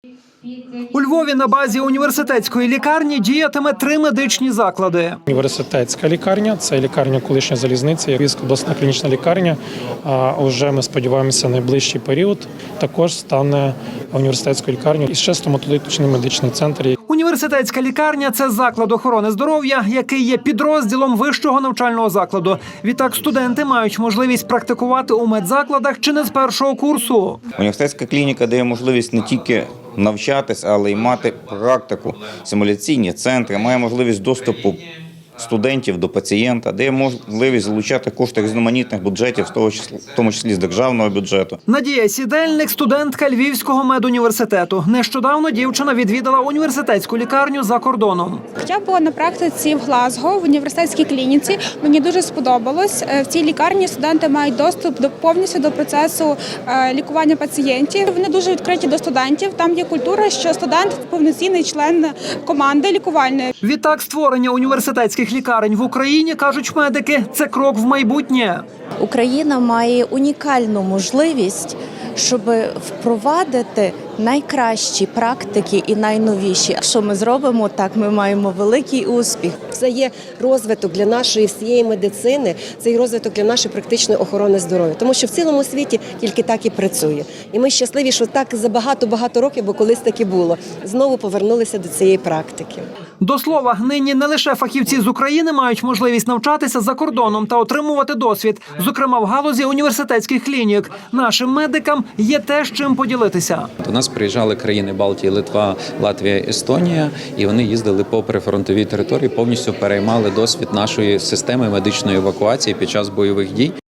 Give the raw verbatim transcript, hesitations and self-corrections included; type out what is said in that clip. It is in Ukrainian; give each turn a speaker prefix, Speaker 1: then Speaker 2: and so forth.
Speaker 1: У Львові на базі університетської лікарні діятиме три медичні заклади.
Speaker 2: Університетська лікарня – це лікарня колишня залізниці, Львівська обласна клінічна лікарня. А вже ми сподіваємося, найближчий період також стане університетською лікарнею. І ще стоматологічний медичний центр.
Speaker 1: Університетська лікарня – це заклад охорони здоров'я, який є підрозділом вищого навчального закладу. Відтак студенти мають можливість практикувати у медзакладах чи не з першого курсу.
Speaker 3: Університетська клініка дає можливість не тільки навчатись, але й мати практику, симуляційні центри, має можливість доступу студентів до пацієнта, дає можливість залучати кошти різноманітних бюджетів, в тому числі з державного бюджету.
Speaker 1: Надія Сідельник – студентка Львівського медуніверситету. Нещодавно дівчина відвідала університетську лікарню за кордоном.
Speaker 4: Я була на практиці в Глазго в університетській клініці. Мені дуже сподобалось. В цій лікарні студенти мають доступ до повністю до процесу лікування пацієнтів. Вони дуже відкриті до студентів. Там є культура, що студент – повноцінний член команди лікувальної.
Speaker 1: Відтак створення університетських лікарень в Україні, кажуть медики, це крок в майбутнє.
Speaker 5: Україна має унікальну можливість, щоб впровадити найкращі практики і найновіші. Якщо ми зробимо так, ми маємо великий успіх.
Speaker 6: Це є розвиток для нашої всієї медицини, це є розвиток для нашої практичної охорони здоров'я. Тому що в цілому світі тільки так і працює. І ми щасливі, що так за багато-багато років, бо колись так і було, знову повернулися до цієї практики.
Speaker 1: До слова, нині не лише фахівці з України мають можливість навчатися за кордоном та отримувати досвід, зокрема в галузі університетських клінік. Нашим медикам є те, з чим поділитися.
Speaker 7: До нас приїжджали країни Балтії, Литва, Латвія, Естонія, і вони їздили по прифронтовій території, повністю переймали досвід нашої системи медичної евакуації під час бойових дій.